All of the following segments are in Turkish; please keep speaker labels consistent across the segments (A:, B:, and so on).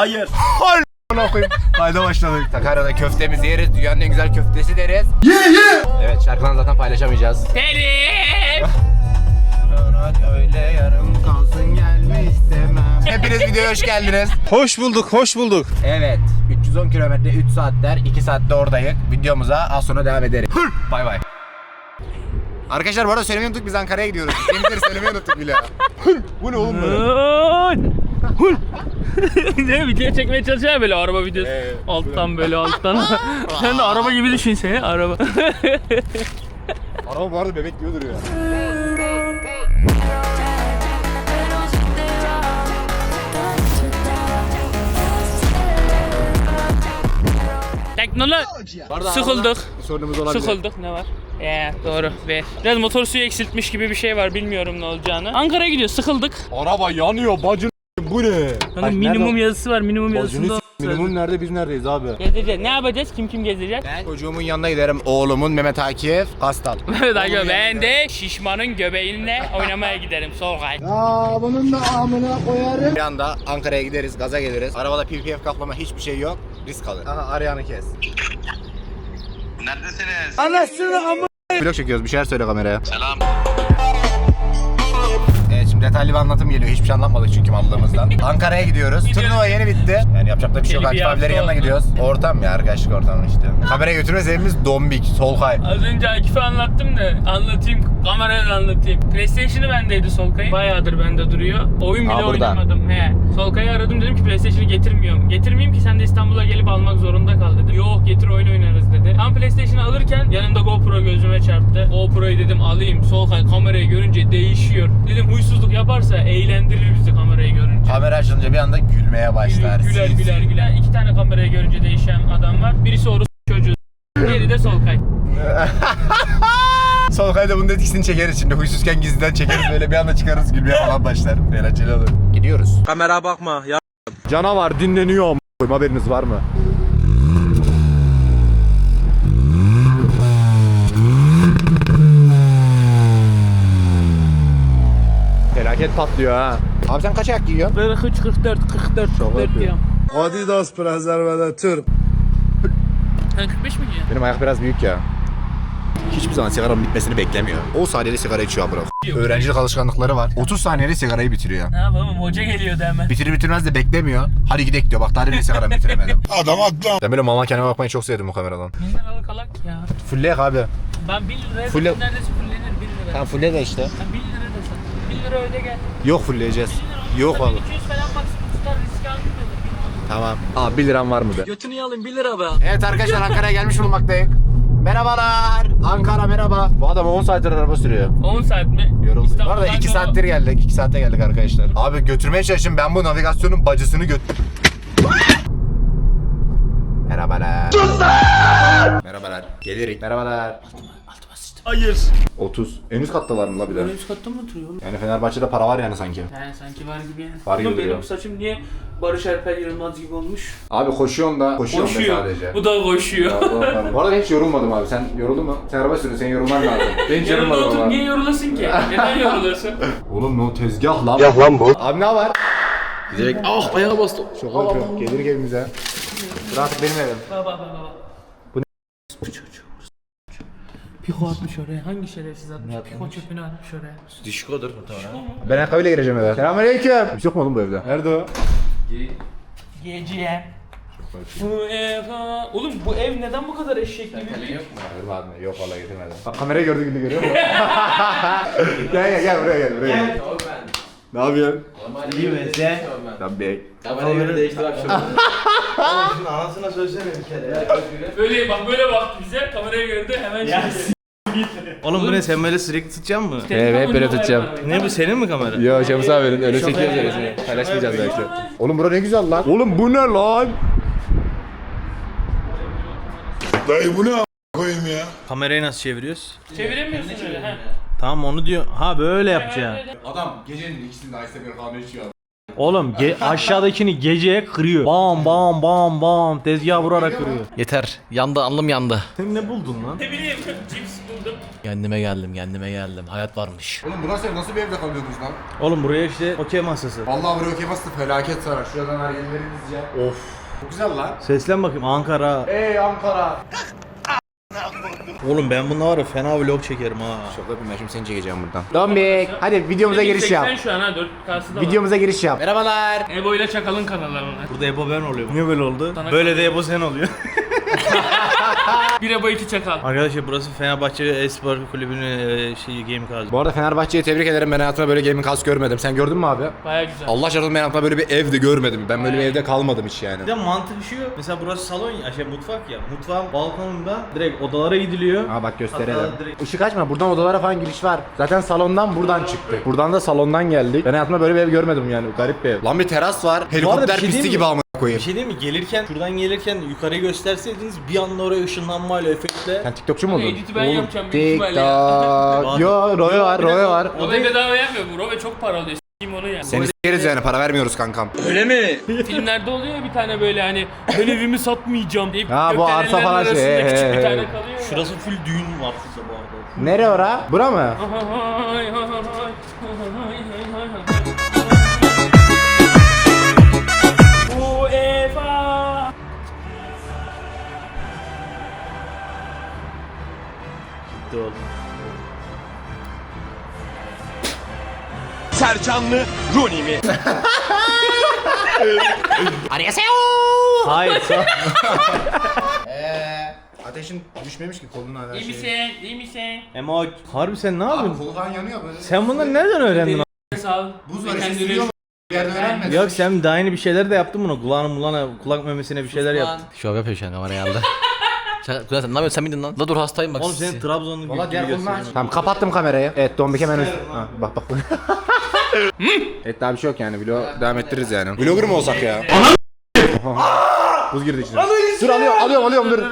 A: Hayır.
B: Kayda başladık. Sakarya'da köftemizi yeriz. Dünyanın en güzel köftesi deriz. Evet, şarkıdan zaten paylaşamayacağız.
C: Telif.
B: Öyle yarım kalsın gelme istemem. Hepiniz videoya hoş geldiniz.
A: Hoş bulduk, hoş bulduk.
B: Evet, 310 kilometre 3 saatler 2 saatte oradayız. Videomuza az sonra devam ederiz. Bay bay. Arkadaşlar bu arada söylemeyi unuttuk, biz Ankara'ya gidiyoruz. Bizimkileri söylemeyi unuttuk bile. Bu ne oğlum böyle?
C: Ne video çekmeye çalışıyor böyle araba videosu. Alttan böyle alttan. Sen de araba gibi düşün seni araba.
B: Araba bu arada bebek gibi duruyor.
C: Teknoloji. Sıkıldık.
B: Sorunumuz olabilir.
C: Sıkıldık ne var? Doğru ve biraz motor suyu eksiltmiş gibi bir şey var, bilmiyorum ne olacağını. Ankara'ya gidiyor, sıkıldık.
B: Araba yanıyor bacın. Bu ne?
C: Hani minimum yazısı var, minimum yazısında.
B: Minimum nerede, biz neredeyiz abi?
C: Gezeceğiz. Ne yapacağız? Kim gezecek?
B: Ben çocuğumun yanına giderim. Oğlumun Mehmet Akif Kastal.
C: Evet arkadaşlar, ben de şişmanın göbeğinle oynamaya giderim Solkay.
B: Bunun da amına koyarım. Bir anda Ankara'ya gideriz, gaza geliriz. Arabada PPF kaplama hiçbir şey yok. Risk alır. Aha, arayanı kes.
D: Neredesiniz?
B: Anasını amına. Vlog çekiyoruz. Bir şeyler söyle kameraya.
D: Selam.
B: Evet, şimdi detaylı bir anlatım geliyor. Hiçbir şey anlatmadık çünkü mallığımızdan. Ankara'ya gidiyoruz. Turnuva yeni bitti. Yani yapacak da bir şey yok. Akif abilerin yanına gidiyoruz. Ortam ya, arkadaşlık ortamı işte. Kameraya götürme sebebimiz dombik, Solkay.
C: Az önce Akif'e anlattım da anlatayım, kamerayla anlatayım. PlayStation'ı bendeydi Solkay'ın. Bayağıdır bende duruyor. Oyun bile oynamadım. Solkay'ı aradım, dedim ki PlayStation'ı getirmiyorum. Getirmeyeyim ki sen de İstanbul'a gelip almak zorunda kal dedim. Yok getir, oyun oynarız dedi. Tam PlayStation'ı alırken yanımda GoPro gözüme çarptı. GoPro'yu dedim alayım. Solkay kamerayı görünce değişiyor. Dedim huysuzluk yaparsa eğlendirir bizi kamerayı görünce.
B: Kamera açılınca bir anda gülmeye başlar.
C: Güler. İki tane kamerayı görünce değişen adam var. Birisi orası çocuğu. Diğeri de Solkay.
B: Solkay'da bunun etkisini çekeriz şimdi. Huysuzken gizliden çekeriz, böyle bir anda çıkarız, gülmeye falan başlar. Eğlenceli olur. Gidiyoruz.
A: Kamera bakma ya.
B: Canavar dinleniyor. Haberiniz var mı? Felaket patlıyor ha. Abi sen kaç ayak giyiyorsun?
C: Böyle 44 diyorum.
A: Adidas prezervatör.
C: Sen 45 mi giyiyorsun?
B: Benim ayak biraz büyük ya. Hiçbir zaman sigaranın bitmesini beklemiyor. 10 saniyede sigara içiyor abi. Öğrencilik alışkanlıkları var. 30 saniyede sigarayı bitiriyor.
C: Ne yapalım, hoca geliyordu hemen.
B: Bitirir bitirmez de beklemiyor. Hadi gidelim diyor. Bak daha demin sigaramı bitiremedim. Adam atla. Ben böyle mama kendime bakmayı çok sevdim bu kameradan.
C: Neler alık alak ya.
B: Fulleyek abi.
C: Ben 1 liraya
B: Full-
C: neredeyse fullenir 1 lira.
B: Tamam fulle de işte.
C: Sen 1 lira da sat. 1 lira öde gel.
B: Yok fullleyeceğiz.
C: 1 lira
B: Yok
C: olsa
B: vallahi.
C: 200 falan maksimum tutar, risk almıyor.
B: Tamam. Abi 1 liram var mı be?
C: Götünü alayım 1 lira be.
B: Evet arkadaşlar, Ankara'ya gelmiş bulunmaktayız. Merhabalar. Ankara merhaba. Bu adam 10 saattir araba sürüyor.
C: 10 saat mi?
B: Yorulduk. Bu arada
C: İstanbul'dan
B: 2
C: sonra-
B: saattir geldik. 2 saatte geldik arkadaşlar. Abi götürmeye çalışın, ben bu navigasyonun bacısını Merhabalar. Merhabalar. Gelirik. Merhabalar.
A: Hayır.
B: 30. En üst kattalar mı la bir de?
C: Üst katta mı oturuyor oğlum?
B: Yani Fenerbahçe'de para var yani sanki.
C: Yani sanki var gibi yani.
B: Var gibi
C: Oğlum
B: duruyor.
C: benim saçım niye Barış Alper Yılmaz gibi olmuş?
B: Abi koşuyorsun da. Koşuyorum da sadece.
C: Bu da koşuyor.
B: Bu arada hiç yorulmadım abi. Sen yoruldun mu? Sen araba sürüyorsun. Sen yorulman lazım. Ben hiç
C: Yanında
B: yorulmadım
C: otur,
B: ama.
C: niye yorulasın ki? Neden yorulasın?
B: Oğlum ne o tezgah lan? Tezgah lan bu. Abi ne var?
A: Direkt ayağa bastı.
B: Çok korkuyorum. Gelir evimize. Artık benim evim.
C: Baba.
B: Bu ne?
C: Bu çocuğu. Piko atmış oraya. Hangi şerefsiz atmış? Piko çöpünü atmış oraya.
A: Dişkodur muhtemelen.
B: Ben ayakkabıyla gireceğim eve. Selamünaleyküm. Bir şey yok mu oğlum bu evde? Nerede o?
C: Gece. Bu ev ha. Oğlum bu ev neden bu kadar eşek gibi?
B: Getirmedim. Yok vallahi getirmedim. Bak kamerayı gördüğün gibi görüyor musun? gel buraya gel. Ne yapıyorsun?
A: İyi mesela.
B: Tabii.
A: Kamerayı değiştir akşam. Oğlum şunun anasına söylesene bir kere ya.
C: Böyle baktı bize, kamerayı gördü hemen şey.
A: Oğlum bu ne, sen böyle sürekli tutacaksın mı?
B: Evet böyle tutacağım.
A: Ne bu, senin mi kamera?
B: Yo Şemus abinin öyle çekiyoruz öyle. Paylaşmayacağız belki. Oğlum bura ne güzel lan. Oğlum bu ne lan?
E: Dayı bu ne koyayım ya?
A: Kamerayı nasıl çeviriyoruz?
C: Çeviremiyorsun öyle ha.
A: Tamam onu diyor. Ha böyle yapacaksın.
B: Adam gecenin ikisinde Ice bir kahve içiyor.
A: Oğlum aşağıdakini geceye kırıyor. Bam tezgah vurarak kırıyor.
F: Yeter. Yandı, alnım yandı.
A: Sen ne buldun lan?
C: Ne bileyim, cips oturdum.
D: Kendime geldim. Hayat varmış.
B: Oğlum burası nasıl bir evde kalıyordunuz lan?
A: Oğlum buraya işte okey masası.
B: Vallahi buraya okey bastı felaket sarar. Şuradan hareketleriniz ya.
A: Of.
B: Çok güzel lan.
A: Seslen bakayım Ankara.
B: Ey Ankara.
A: Oğlum ben bununla var ya fena vlog çekerim ha.
B: Çok öpeyim ben şimdi seni çekeceğim buradan. Dombik hadi videomuza giriş yap.
C: 80 şu an ha 4K'sı da var.
B: Videomuza giriş yap. Merhabalar.
C: Ebo ile Çakal'ın kanalları onlar.
A: Burada Ebo ben oluyor. Niye böyle oldu?
C: Sana
A: Böyle de Ebo sen oluyor.
C: Bir Ebo 2 Çakal.
A: Arkadaşlar burası Fenerbahçe Espor Kulübü'nün game kazı.
B: Bu arada Fenerbahçe'yi tebrik ederim. Ben hayatımda böyle gaming house görmedim. Sen gördün mü abi?
C: Baya güzel.
B: Allah çarpsın ben hayatımda böyle bir evde görmedim. Ben böyle bir evde kalmadım hiç yani.
A: Bir de mantık şu. Mesela burası salon ya, mutfak ya. Mutfağın balkonunda direkt odalara gidiliyor.
B: Ha bak gösterelim.
A: Hatta direkt-
B: Işık açma. Buradan odalara falan giriş var. Zaten salondan buradan çıktık. Buradan da salondan geldik. Ben hayatımda böyle bir ev görmedim yani. Garip bir ev. Lan bir teras var. Helikopter
A: şey
B: pisti
A: diyeyim
B: gibi
A: mi?
B: amına
A: Bir
B: koyayım.
A: şey değil mi? Gelirken, şuradan gelirken yukarıyı gösterseydiniz bir anda oraya ışınlanmayla, efektle.
B: Sen TikTokçu mu oldun?
C: Edit'i ben yapacağım büyük ihtimalle ya.
B: TikTok. Yo, Rove var, Rove var.
C: Rove bedava yapmıyor bu. Rove çok para alıyor. S**eyim onu ya.
B: Seni s**eriz yani para vermiyoruz kankam.
C: Filmlerde oluyor ya bir tane böyle hani ben evimi satmayacağım deyip
B: Ha, bu arsa
C: gökdelenlerin
B: falan şey,
C: arasında küçük
B: he,
C: bir
B: he.
C: tane kalıyor ya.
A: Şurası full düğün var şurada bu arada.
B: Nere ora? Bura mı?
C: UEFA.
A: Gitti oğlum.
F: Sercanlı Rooney mi?
A: Hayır sağ.
B: Ateşin düşmemiş ki koluna her
C: İyi misin? İyi misin?
A: Emo harbi sen ne yapıyorsun?
B: Kolu falan yanıyor böyle.
A: Sen bunları nereden öğrendin?
C: Sağ ol.
B: Buz var
C: Kendini-
B: işte sürüyor mu? Bir yerde öğrenmedim.
A: Yok sen daha yeni bir şeyler de yaptın bunu. Kulağına, kulak memesine bir şeyler yaptın.
D: Şov yapıyor şu an kameraya aldı. Kuzen sen ne yapıyorsun sen miydin lan? La dur hastayım bak.
A: Oğlum senin Trabzonlu
B: Valla
A: gibi
B: diğer kolunu aç.
A: gösteriyor.
B: Tamam kapattım kamerayı. Evet Dombik hemen ha, bak. Evet daha bir şey yok yani. Vlog devam ettiririz yani. Vlogger mı olsak ya? Oha. Buz girdi içine. Dur alıyorum dur.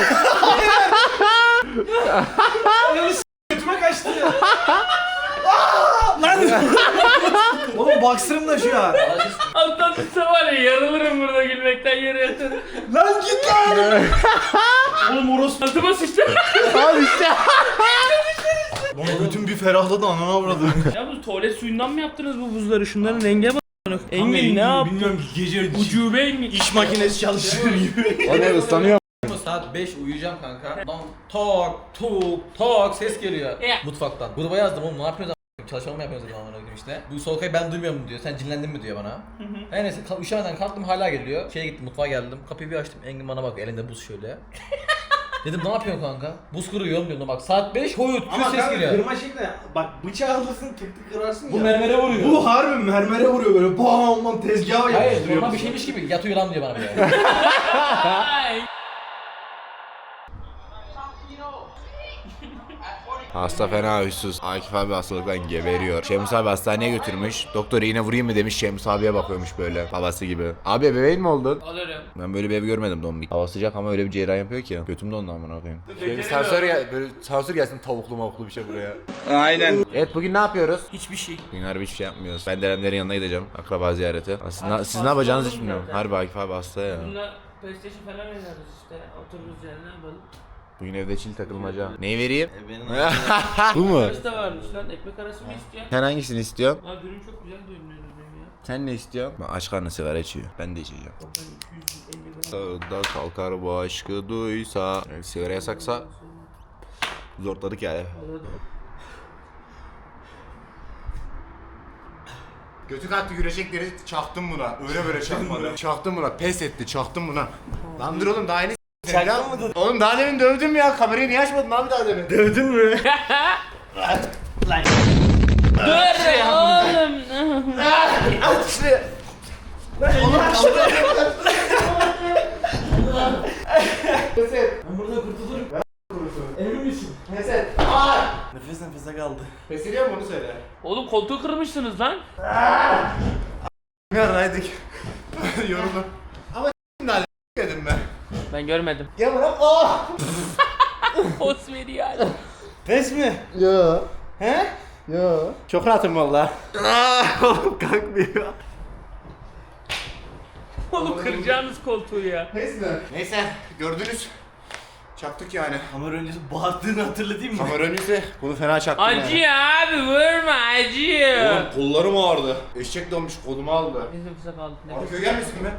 A: Oğlum baksırım da şu an.
C: Alttan tutsa var ya yarılırım burada gülmekten yere yatırım.
A: Lan git lan. Oğlum orası.
C: Altıma sıçtı.
B: Al işte.
A: Oğlum bütün bir ferahladı anana avradı.
C: Ya bu tuvalet suyundan mı yaptınız bu buzları? Şunların renge bak. Engin ne yaptı?
A: Bilmiyorum ki gece
C: Ucube Engin.
A: iş makinesi çalıştırır gibi.
B: O ne ıslanıyor.
D: Saat 5 uyuyacağım kanka. Lan tok ses geliyor
C: Ya.
D: mutfaktan. Gruba yazdım oğlum ne yapıyorsunuz a**? Çalışma mı yapıyorsunuz dedim amına koyayım işte. Bu Solkay ben duymuyorum diyor. Sen cinlendin mi diyor bana. Her neyse üşemeden kalktım hala geliyor. Şeye gittim mutfağa geldim. Kapıyı bir açtım. Engin bana bak elinde buz şöyle. Dedim ne yapıyorsun kanka? Buz kırıyorum diyorum bak saat 5 koyut ses geliyor.
A: kırma şekli bak bıçağı alırsın tık tık kırarsın
D: Bu
A: ya.
D: mermere vuruyor.
A: Bu harbi mermere vuruyor böyle bam lan tezgaha
D: Hayır
A: yapıştırıyor.
D: normal bir şeymiş gibi yatıyor lan diyor bana böyle.
C: Ay.
B: Hasta fena huysuz. Akif abi hastalıktan geberiyor. Şemus abi hastaneye götürmüş. Doktor iğne vurayım mı demiş. Şemus abiye bakıyormuş böyle. Babası gibi. Abi bebeğin mi oldun?
C: Alırım.
B: Ben böyle bir ev görmedim Dombik. Hava sıcak ama öyle bir cerrah yapıyor ki. Götüm dondu amına koyayım. Şöyle bir böyle sansür gelsin tavuklu mavuklu bir şey buraya.
F: Aynen.
B: Evet bugün ne yapıyoruz?
C: Hiçbir şey.
B: Bugün harbi hiçbir şey yapmıyoruz. Ben Derenlerin yanına gideceğim. Akraba ziyareti. Aslında siz ne yapacağınızı hiç bilmiyorum. Harbi Akif abi hasta ya.
C: Bununla PlayStation falan oynarız işte. Otururuz yani ne yapalım.
B: Bugün evde çil takılmaca. Neyi vereyim?
A: Benim
B: Bu mu?
C: Arası da varmış lan. Ekmek arası mı istiyorsun?
B: Sen hangisini istiyorsun?
C: Abi dürüm çok güzel görünüyor benim ya.
B: Sen ne istiyorsun? Ben aç karnı sigara içiyor. Ben de içeceğim. Sağda kalkar bu aşkı duysa. Yani sigara yasaksa zorladık yani. Götü kalktı güreşekleri çaktım buna. Öyle böyle çakmadı. Çaktım buna. Pes etti. Çaktım buna. Lan dur oğlum daha yeni
A: Çaktın mı?
B: Oğlum daha demin dövdüm ya. Kamerayı niye açmadın abi daha demin?
A: Dövdün mü?
C: Dur oğlum.
B: Aç işte.
A: Ben burada kurtulurum. Emin misin?
B: Pes
A: Nefes nefese kaldı.
B: Pes ediyor mu onu söyle.
C: Oğlum koltuğu kırmışsınız lan.
B: Yaraydık. Yoruldum. Ama şimdi hadi dedim ben.
C: Ben görmedim.
B: Ya bırak. Oh!
C: Post veriyor hala.
A: Pes mi?
B: Yo.
A: He?
B: Yo. Çok rahatım valla. Oğlum kalkmıyor.
C: Oğlum kıracağınız koltuğu ya.
B: Pes mi? Neyse gördünüz. Çaktık yani.
A: Kamera öncesi bağırdığını hatırlatayım mı?
B: Kamera önüyse bunu fena çaktım yani.
C: Acıyor abi vurma acıyor.
B: Oğlum kollarım ağrıdı. Eşek donmuş kolumu aldı.
C: Bizim kısa kaldı.
B: Abi köy gelmesin mi?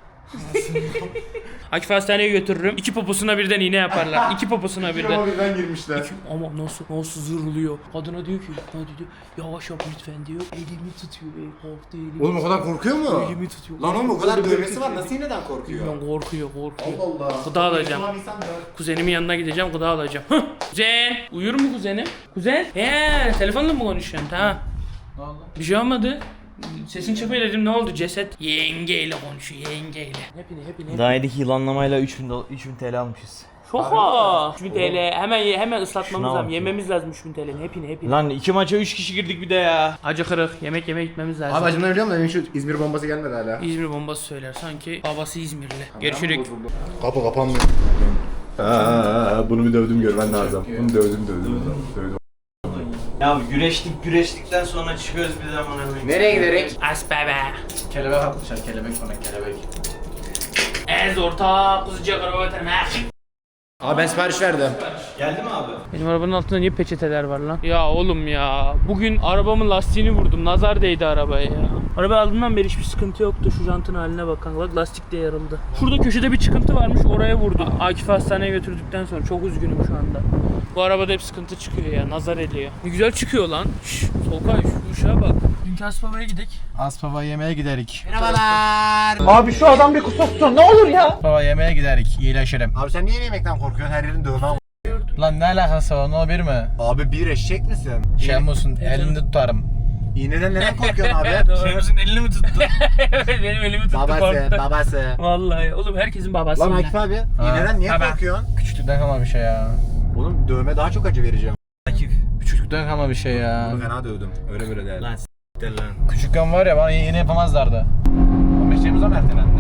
C: Akif hastaneye götürürüm. İki poposuna birden iğne yaparlar. İki poposuna birden.
B: Ama birden girmişler.
C: Ama nasıl zırlıyor. Kadına diyor ki yavaş yap lütfen diyor. Elimi tutuyor. Korktu elimi.
B: Oğlum o kadar korkuyor mu?
C: Elimi tutuyor.
B: Lan oğlum o kadar
C: Böyle
B: dövmesi var
C: tutuyor.
B: nasıl neden korkuyor?
C: Bilmiyorum, korkuyor.
B: Allah Allah.
C: Gıda alacağım.
B: Tamam, insan da.
C: Kuzenimin yanına gideceğim, gıda alacağım. Kuzen! Uyur mu kuzenim? Kuzen? Telefonla mı konuşuyorsun? Tamam.
D: Ne oldu?
C: Bir şey olmadı. Sesin çıkmıyor dedim, ne oldu? Ceset yengeyle konuşuyor, yengeyle. Hepini.
A: Daha yedik yılanlamayla 3000 TL almışız.
C: Şoka! 3000 TL. Hemen ıslatmamız
A: Şuna
C: lazım.
A: bak.
C: Yememiz lazım 3000 TL'nin. Hepini.
A: Lan 2 maça 3 kişi girdik bir de ya.
C: Acı kırık. Yemek yemeye gitmemiz lazım.
B: Abi acımdan ölüyorum da benim şu İzmir bombası gelmedi hala.
C: İzmir bombası söyler. Sanki babası İzmirli. Görüşürük.
B: Kapı kapanmıyor. Bunu bir dövdüm görmen lazım. Bunu dövdüm.
A: Ya güreştikten sonra çıkıyoruz bir zaman hemen.
B: Nereye giderek?
C: As bebe.
D: Kelebek atmışlar, kelebek bana kelebek.
C: Ez orta kuzuca karavatın ha.
B: Abi ben sipariş verdim.
A: Geldi mi abi?
C: Benim arabanın altında niye peçeteler var lan? Ya oğlum ya. Bugün arabamın lastiğini vurdum. Nazar değdi arabaya ya. Araba aldığımdan beri hiçbir sıkıntı yoktu. Şu jantın haline bakın. Bak lastik de yarıldı. Şurada köşede bir çıkıntı varmış. Oraya vurdu. Akif'i hastaneye götürdükten sonra. Çok üzgünüm şu anda. Bu arabada hep sıkıntı çıkıyor ya. Nazar ediyor. Ne güzel çıkıyor lan. Şşş. Solkay şu uşağa bak. Dünkü Aspava'ya gidelim.
B: Aspava yemeğe giderik.
D: Baba yemeğe giderik, iyileşirim.
B: Abi sen niye yemekten korkuyorsun? Her yerin dövme ama.
D: Lan ne alakası var, no bir mi?
B: Abi bir eşek misin?
D: Şey musun, elinde tutarım.
B: İğneden neden korkuyorsun abi?
A: Şeyimizin elini mi tuttu?
C: Benim elimi tuttu
B: Babası.
C: Vallahi oğlum herkesin babası.
B: Lan
C: ya.
B: Akif abi, iğneden niye
C: Baba.
B: korkuyorsun?
D: Küçüklükten kalma bir şey ya.
B: Oğlum dövme daha çok acı vereceğim.
A: Akif.
D: Küçüklükten kalma bir şey ya.
B: Bunu fena dövdüm. Öyle böyle değil.
A: Lan s**tir lan.
D: Küçükken var ya bana yeni yapamazlardı. 15 Temmuz'a mı ertelendi?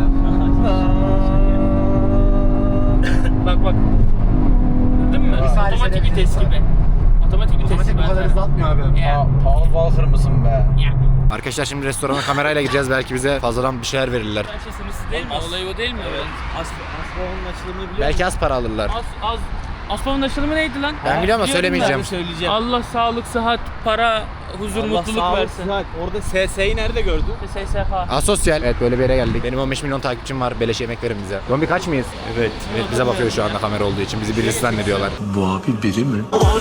C: Bak. Gördün mü?
B: saniye
C: Otomatik
B: seni-
C: vites gibi. Otomatik vites
B: Otomatik
C: gibi.
B: bu kadar hızlı atmıyor abi.
C: Ya.
D: Paul Walker mısın be?
C: Ya.
B: Arkadaşlar şimdi restorana kamerayla gireceğiz. Belki bize fazladan bir şeyler verirler.
C: Bence sınırsız değil mi? Olay o değil mi? Evet.
A: Aspava'nın açılımını biliyor
B: Belki az para alırlar.
C: Aspav'ın açılımı neydi lan?
B: Ben biliyorum ama
C: Biliyorum
B: söylemeyeceğim.
A: söyleyeceğim.
C: Allah sağlık, sıhhat, para, huzur, mutluluk versin.
A: Orada SS'yi nerede gördün?
C: SSK.
B: Asosyal. Evet böyle bir yere geldik. Benim 15 milyon takipçim var. Beleş yemek verin bize. Zombi kaç mıyız? Evet. Evet bize bakıyor şu anda kamera olduğu için. Bizi birisi zannediyorlar.
E: Bu abi biri mi?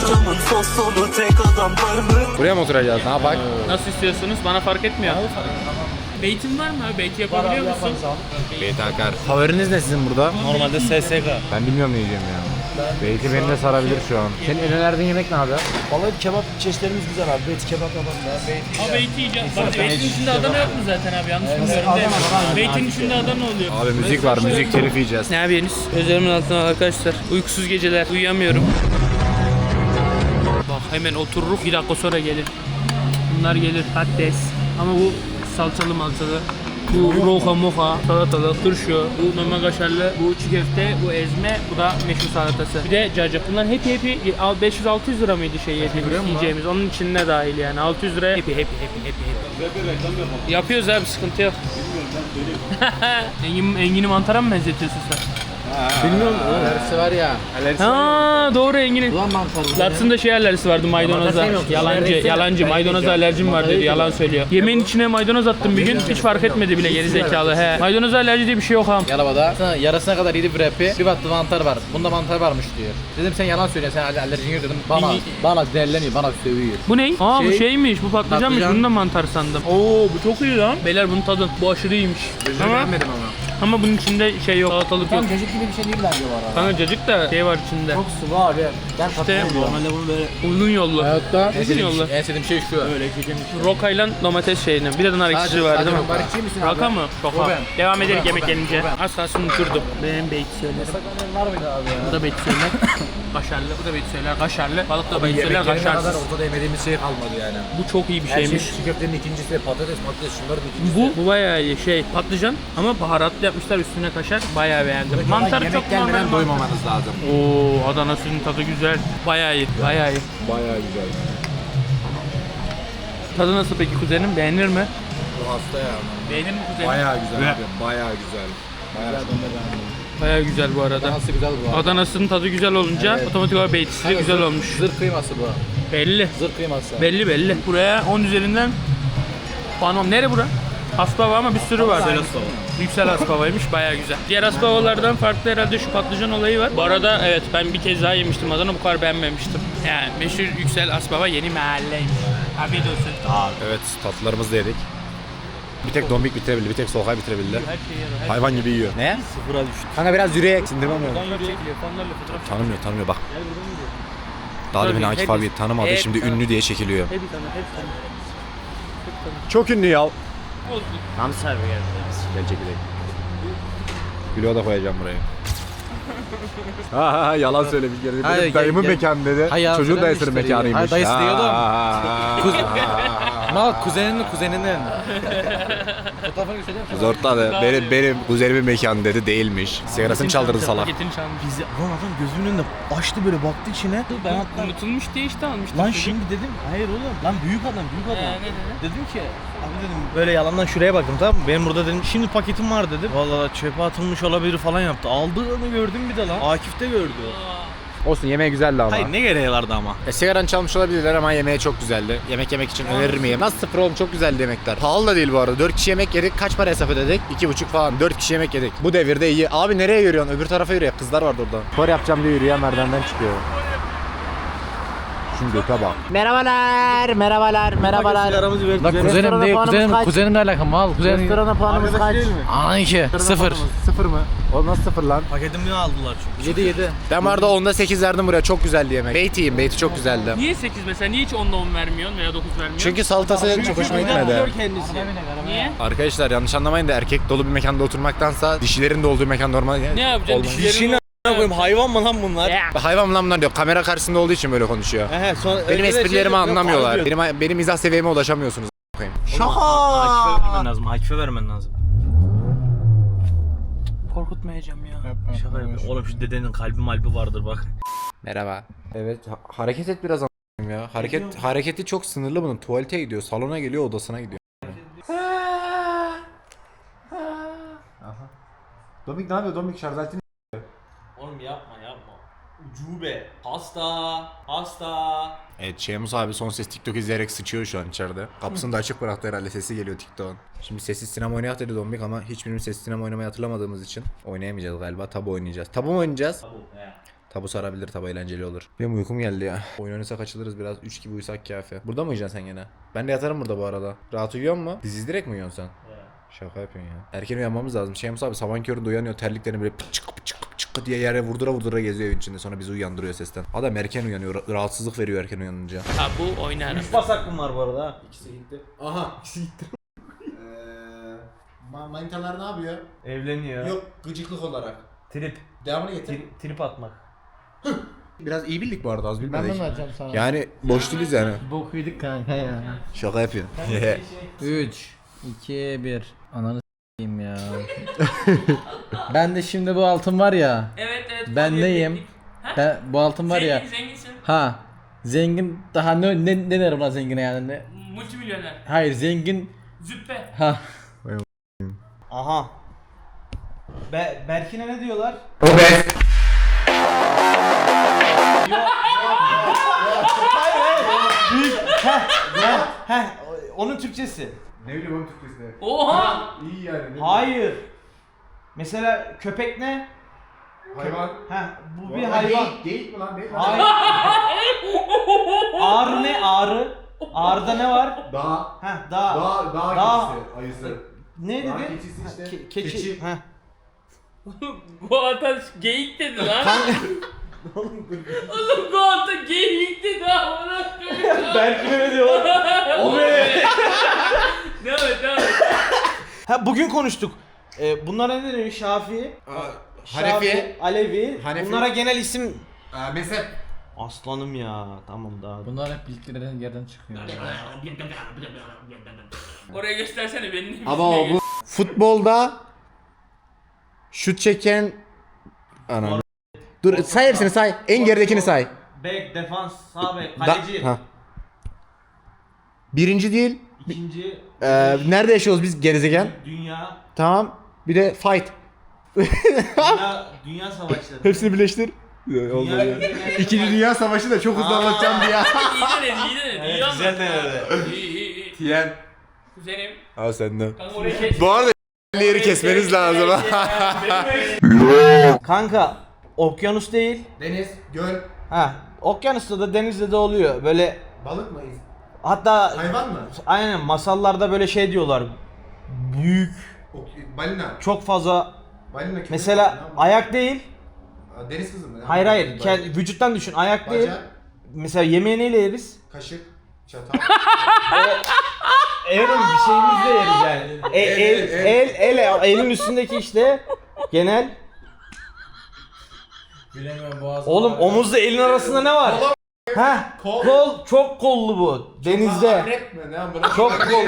B: Buraya mı oturacağız? Ne yapak?
C: Nasıl istiyorsunuz? Bana fark etmiyor. Beytin var mı abi? Beyti yapabiliyor musun?
B: Beyti akar. Favoriniz ne sizin burada?
A: Normalde SSK.
B: Ben bilmiyorum ne yiyeceğim ya. Beyti beni de sarabilir şu an. Senin en önerdiğin yemek ne abi?
G: Vallahi kebap çeşitlerimiz güzel abi. Beyti kebap yapalım ya.
C: Abi beyti yiyeceğim. Bak beytin içinde Adana yok mu zaten abi? Yanlış bilmiyorum değil mi? Beytin içinde Adana oluyor.
B: Abi müzik var. Müzik telif yiyeceğiz.
C: Ne yapıyorsunuz? Gözlerimin altına arkadaşlar. Uykusuz geceler. Uyuyamıyorum. Bak hemen otururuk. Bir dakika sonra gelir. Bunlar gelir. Patates. Ama bu salçalı malçalı. Bu roka moka, salatalık, turşu, bu normal kaşarlı, bu çiğ köfte, bu ezme, bu da meşhur salatası. Bir de cacık. Bunların hepi 500-600 lira mıydı yiyeceğimiz? Onun içine dahil yani. 600 liraya hepi. Yapıyoruz abi, sıkıntı yok. Engini mantara mı benzetiyorsun sen?
D: Alerjisi var ya.
C: Ha doğru Engin'in. Lats'ın şey alerjisi vardı maydanoza. Yalancı maydanoza alerjim var dedi, yalan söylüyor. Yemeğin içine maydanoz attım bir gün, hiç fark etmedi bile geri zekalı. He. Maydanoza alerji diye bir şey yok ha.
D: Arabada sana yarısına kadar yedi wrap'i, bir baktı mantar var. Bunda mantar varmış diyor. Dedim sen yalan söylüyorsun, sen alerjin yok dedim. Bana derleniyor, bana sövüyor.
C: Bu ne? Aa bu
D: Şey-
C: şeymiş, bu patlıcanmış.
D: Patlıcan.
C: Bunu da mantar sandım. Oo bu çok iyi lan. Beyler bunu tadın. Bu aşırı iyiymiş.
B: Beğenmedim ama.
C: Ama bunun içinde şey yok, salatalık yok.
G: Cacık gibi bir şey değil bence bu arada.
C: Kanka cacık da şey var içinde.
G: Çok sıvı abi. Ben katılıyorum.
C: Normalde bunu böyle uzun yollu.
D: Hayatta
C: Uzun yollu.
D: en sevdiğim şey şu.
C: Rokayla domates şeyini. Bir de nar ekşisi var değil mi?
D: Barışçı mısın abi?
C: Raka mı? Şoka.
D: O ben.
C: Devam edelim
D: O
C: yemek
D: ben.
C: gelince.
D: O ben.
C: Az kalsın unuturdum. Benim beyti söylerim.
D: Var mıydı abi ya?
C: Bu da beyti söyler. Kaşarlı. Bu da beyti söyler. Kaşarlı. Balık da beyti söyler.
B: Yemeklerine kadar
C: Kaşarsız.
B: ortada yemediğimiz şey kalmadı yani.
C: Bu çok iyi bir
B: Her şey
C: şeymiş.
B: çiğ köftenin ikincisi, patates şunların ikincisi.
C: Bu bayağı iyi şey patlıcan ama baharatlı yapmışlar üstüne kaşar bayağı beğendim. Mantar
B: yemek
C: çok
B: gelmeden
C: normal.
B: doymamanız lazım.
C: Oo Adana suyun tadı güzel. Bayağı iyi. Bayağı iyi.
B: Bayağı güzel.
C: Tadı nasıl peki kuzenim? Beğenir mi?
B: Bu hasta ya.
C: Beğenir mi kuzenim?
B: Bayağı güzel abi. Bayağı güzel. Bayağı
C: Baya güzel bu arada.
D: Nasıl güzel bu arada.
C: Adana'sının tadı güzel olunca
D: Evet.
C: otomatik olarak beytisi de güzel olmuş.
D: Zırh kıyması bu.
C: Belli.
D: Zırh kıyması.
C: Belli. Buraya 10 üzerinden puanım. Nere bura? Aspava ama bir sürü var.
A: Yüksel Aspava.
C: Yüksel Aspava'ymış, baya güzel. Diğer Aspavalardan farklı herhalde şu patlıcan olayı var. Bu arada evet, ben bir kez daha yemiştim Adana, bu kadar beğenmemiştim. Yani meşhur Yüksel Aspava yeni mahalleymiş. Afiyet olsun.
B: Evet, tatlılarımızı da yedik. Bir tek Dombik bitirebildi, bir tek Solkay bitirebildi.
C: Her şey yer. Her
B: Hayvan gibi yiyor. Ne?
A: Sıfıra düştü.
B: Kanka biraz yürüyerek sindirmem lazım.
C: fotoğraf çekiliyor, fanlarla fotoğraf
B: Tanımıyor bak. Daha demin Akif abi tanımadı,
C: hep
B: şimdi ünlü diye çekiliyor.
C: Hep tanı.
B: Çok ünlü ya.
C: Olsun.
A: Hamsi abi geldi.
B: Gel çekileyim. Gülüyor da koyacağım buraya. Ha yalan söyle bir kere.
D: Hayır,
B: Benim dayımın
D: gel.
B: mekanı dedi.
D: Hayır,
B: Çocuğun
D: söylemiş
B: dayısının
D: işte.
B: mekanıymış.
D: Hayır, dayısı diyordu.
B: Kuz...
D: Mal kuzeninin. Fotoğrafını göstereyim mi?
B: Zortladı. Benim kuzenimin mekanı dedi, değilmiş. Sigarasını çaldırdı salak.
C: Paketini çalmış.
G: Bizi lan adam gözümün önünde açtı böyle baktı içine. Ben hatta
C: Unutulmuş diye işte almıştım.
G: lan
C: çocuk.
G: şimdi dedim hayır oğlum lan büyük adam.
C: Ne dedi?
G: Dedim ki abi dedim böyle yalandan şuraya baktım tamam mı? Benim burada dedim şimdi paketim var dedim. Vallahi çöpe atılmış olabilir falan yaptı. Aldığını gördüm bir de lan. Akif de gördü.
B: Olsun, yemeği güzeldi ama.
G: Hayır ne gereği vardı ama.
B: Sigaranı çalmış olabilirler ama yemeği çok güzeldi. Yemek yemek için önerir miyim? Nasıl sıfır oğlum, çok güzeldi yemekler. Pahalı da değil bu arada. 4 kişi yemek yedik. Kaç para hesap ödedik? 2,5 falan. 4 kişi yemek yedik. Bu devirde iyi. Abi nereye yürüyorsun? Öbür tarafa yürüyor. Kızlar vardı orada. Spor yapacağım diye yürüyen merdivenden çıkıyor. Şimdi göte bak.
G: Merhabalar. Sigaramızı verdik.
D: Lan kuzenim değil, kuzenimle alakalı mal. Kuzenim.
G: Restorana puanımız kaç?
D: Aa 2. 0.
B: Sıfır mı? O nasıl sıfır lan?
G: Paketimi aldılar çünkü.
D: 7.
B: Ben vardı 10'da 8 verdim buraya. Çok güzeldi yemek. Beyti yiyeyim. Beyti çok güzeldi.
C: Niye 8 mesela? Niye hiç 10'da 10 vermiyorsun veya 9 vermiyorsun?
B: Çünkü salatası çok hoşuma gitmedi.
G: Kendisi.
C: Niye?
B: Arkadaşlar yanlış anlamayın da erkek dolu bir mekanda oturmaktansa dişilerin de olduğu mekan normal.
C: Ne yapacaksın?
B: Olmaz.
C: Dişlerini
G: koyayım hayvan mı lan bunlar?
B: Hayvan lan bunlar diyor. Kamera karşısında olduğu için böyle konuşuyor. Benim esprilerimi anlamıyorlar. Benim mizah seviyeme ulaşamıyorsunuz.
G: Akif'e vermen lazım. Akif'e vermen lazım.
C: korkutmayacağım ya.
G: Şaka yapıyorum. Oğlum şu dedenin kalbi malbi vardır bak.
B: Merhaba. Evet, hareket et biraz a**ayım ya. Hareketi çok sınırlı bunun. Tuvalete gidiyor, salona geliyor, odasına gidiyor. Aha. Domik ne yapıyor? Domik şarj aletini
A: Oğlum yapma. Ucube. Hasta.
B: Evet, Şemus abi son ses TikTok izleyerek sıçıyor şu an içeride. Kapısını da açık bıraktı herhalde, sesi geliyor TikTok'un. Şimdi sessiz sinema oynayak dedi Dombik ama hiçbirimiz sessiz sinema oynamayı hatırlamadığımız için oynayamayacağız galiba. Tabu oynayacağız. Tabu mu oynayacağız? Tabu sarabilir, tabu eğlenceli olur. Benim uykum geldi ya. Oyun oynasak açılırız biraz. 3 gibi uyusak kafi. Burada mı uyuyacaksın sen gene? Ben de yatarım burada bu arada. Rahat uyuyor mu? Dizi izleyerek mi uyuyorsun sen? Şaka yapıyorsun ya. Erken uyanmamız lazım. Şemus abi sabahın köründe uyanıyor, terliklerini böyle pıçık diye yere vurdura geziyor evin içinde, sonra bizi uyandırıyor sesten. Adam erken uyanıyor, rahatsızlık veriyor erken uyanınca.
C: Ha bu oynarım.
G: 3 bas hakkım var bu arada ha.
B: İkisi gitti. Aha, ikisi gitti. Manitalar ne yapıyor?
G: Evleniyor.
B: Yok, gıcıklık olarak.
G: Trip.
B: Devamını getir.
G: Trip atmak.
B: Biraz iyi bildik bu arada, az bilmedik.
D: vereceğim sana.
B: Yani boş değiliz yani.
D: Bok yedik kanka ya.
B: Şaka yapıyorsun.
D: 3, 2, 1. Ananı s**eyim ya. Ben de şimdi bu altın var ya.
C: Evet.
D: Ben neyim? Ben, bu altın var ya.
C: Zenginsin.
D: Ha. Zengin daha ne derim lan zengine yani ne?
C: Multimilyoner.
D: Hayır zengin.
C: Züppe.
D: Ha.
G: Aha. Berkin'e ne diyorlar?
B: O be.
G: Heh, onun Türkçesi.
B: Ne bileyim onun Türkçesinde.
C: Oha!
B: İyi yani.
G: Hayır. Mesela köpek ne?
B: Hayvan.
G: Heh, bu bir hayvan.
B: Geyik mi lan?
G: Hayır. Ağrı ne? Ağrı. Ağrıda ne var?
B: Dağ.
G: Heh, dağ.
B: Dağ ayısı.
G: Ne dedi?
B: Dağ keçisi işte.
G: Keçi. Heh.
C: Bu adam geyik dedi lan. Oğlum bu adam geyik dedi amına koyayım.
G: Berkin'e ne diyorlar? O be.
C: Devam et.
G: Ha bugün konuştuk. Bunlara ne deniyor? Şafii.
B: Hanefi.
G: Alevi.
B: Hanefi.
G: Bunlara genel isim.
B: Mezhep.
G: Aslanım ya. Tamam daha.
D: Bunlar hep bildikleri yerden çıkıyor.
C: Oraya göstersene benim.
B: Ama o bu futbolda şut çeken ana. Dur say hepsini say. En geridekini say.
G: Bek, defans, sağ bek, kaleci.
B: Ha. Birinci değil.
G: İkinci.
B: Nerede yaşıyoruz biz gerizegen?
G: Dünya.
B: Tamam. Bir de fight.
A: Dünya savaşları.
B: Hepsini birleştir.
A: Dünya,
B: İkinci Dünya Savaşı da çok hızlı anlatacağım diye.
C: İyi denedi. İyi
A: güzel denedi.
C: İyi.
B: Tiyen.
C: Kuzenim.
B: Al senden.
C: Kanka orayı kes.
B: Bu arada yeri kesmeniz lazım.
G: Kanka okyanus değil.
B: Deniz, göl,
G: Ha, okyanusta da denizde de oluyor. Böyle
B: balık mı?
G: hatta
B: Hayvan mı?
G: aynen masallarda böyle şey diyorlar. Büyük,
B: Balina.
G: çok fazla
B: Balina köpek
G: mesela
B: balığı ama.
G: ayak değil.
B: Deniz kızı mı?
G: Hayır hayır. Vücuttan düşün. Ayak değil.
B: Bacak,
G: Mesela yemeği neyle yeriz?
B: kaşık, çatal.
G: Evet bir şeyimizle yeriz yani. Elin üstündeki işte genel.
D: Bilemiyorum boğaz.
G: Oğlum omuzla elin arasında ne var? Ha, kol çok kollu bu. Denizde.
B: Akrep mi? Ne amına?
G: Çok kol.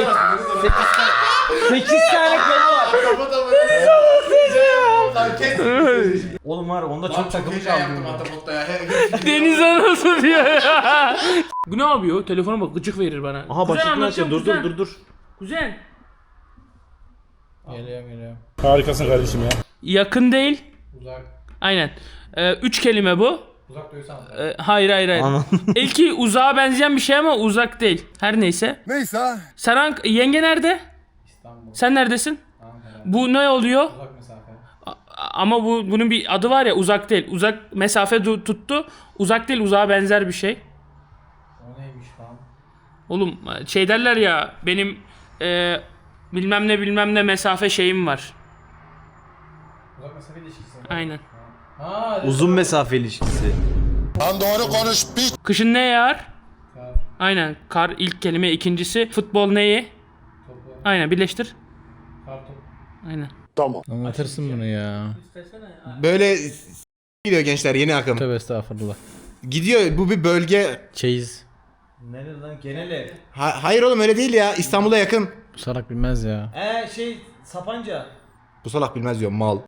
G: 8 tane kolu var.
B: Kapat ama. Lan kes.
G: Oğlum var onda
B: Çok
G: çok takımı
B: heyecan yaptım
G: kaldı.
B: Atabotta ya.
C: Deniz anası diyor ya. Bu ne yapıyor? Telefona bak gıcık verir bana.
G: Aha
C: Kuzen
G: başlıkını
C: anlatacağım,
G: açıyor. Dur
C: kuzen.
G: dur.
C: Kuzen.
D: Geliyorum.
E: Harikasın kardeşim ya.
C: Yakın değil.
D: Uzak.
C: Aynen. 3 kelime bu.
D: Uzak duysan.
C: Hayır.
G: Anladım.
C: İlki uzağa benzeyen bir şey ama uzak değil. Her neyse.
E: Neyse.
C: Sen yenge nerede?
D: İstanbul.
C: Sen neredesin?
D: Ankara.
C: Bu ne oluyor?
D: Uzak mesafe.
C: Ama bunun bir adı var ya, uzak değil. Uzak mesafe tuttu. Uzak değil, uzağa benzer bir şey.
D: O neymiş lan?
C: Oğlum şey derler ya, benim bilmem ne mesafe şeyim var.
D: Uzak mesafe ilişkisi.
C: Aynen.
D: Ha,
G: Uzun mesafe ilişkisi.
E: Lan doğru konuş piç.
C: Kışın ne yağar?
D: Kar,
C: Aynen. Kar ilk kelime, ikincisi futbol neyi?
D: topu,
C: Aynen, birleştir.
D: kar topu.
C: Aynen.
H: Anlatırsın bunu ya.
B: Böyle gidiyor gençler yeni akım.
H: Tövbe estağfurullah.
B: Gidiyor bu bir bölge.
H: Çeyiz.
G: Nerede lan genel ev?
B: Hayır oğlum öyle değil ya. İstanbul'a yakın.
H: Bu salak bilmez ya.
G: Şey Sapanca.
B: Bu salak bilmez diyor mal.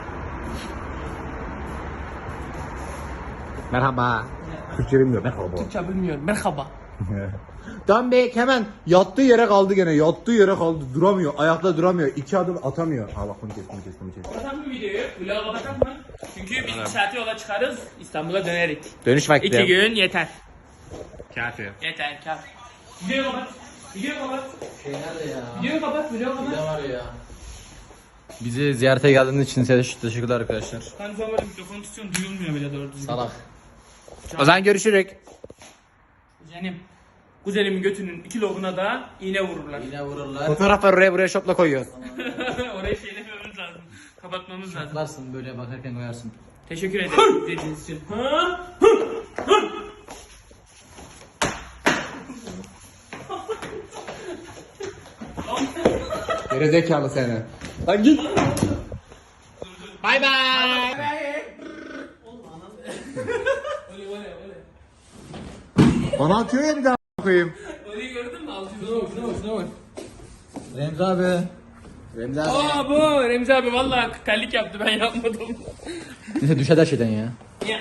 B: Merhaba. Türkçe bilmiyor. Merhaba.
C: Türkçe bilmiyorum. Merhaba.
B: Dan Bey hemen yattığı yere kaldı gene. Yattığı yere kaldı. Duramıyor. Ayakta duramıyor. 2 adım atamıyor. Ha bak bunu kes.
C: Kapatalım mı videoyu? Vlogu kapatalım mı? Çünkü biz 2 saate yola çıkarız. İstanbul'a dönerik.
B: Dönüş vakti.
C: 2 gün yeter.
B: Kafi.
C: Yeter, kafi. Videoyu kapat. Videoyu kapat.
D: Şey nerede ya?
C: Videoyu kapat, videoyu kapat.
D: Ne var ya?
H: Bizi ziyarete geldiğiniz için size teşekkürler arkadaşlar.
C: Ben sonra mikrofonu tutuyorum, duyulmuyor bile doğru düzgün.
D: Salak.
B: O zaman görüşürük.
C: Kuzenimin götünün 2 lobuna da iğne vururlar.
D: Yine vururlar.
B: Fotoğraf var oraya buraya şopla koyuyor.
C: Orayı şeylememiz lazım. Kapatmamız lazım.
D: Atlarsın böyle bakarken koyarsın.
C: Teşekkür ederim dediğiniz için.
B: Gerizekalı seni. Lan git. Bay bay. Bana atıyor ya bir daha koyayım.
C: Orayı gördün mü?
D: Remzi abi. Remzi abi.
C: Aa bu Remzi abi vallahi terlik yaptı, ben yapmadım.
H: Neyse düşer her şeyden ya.
C: Ya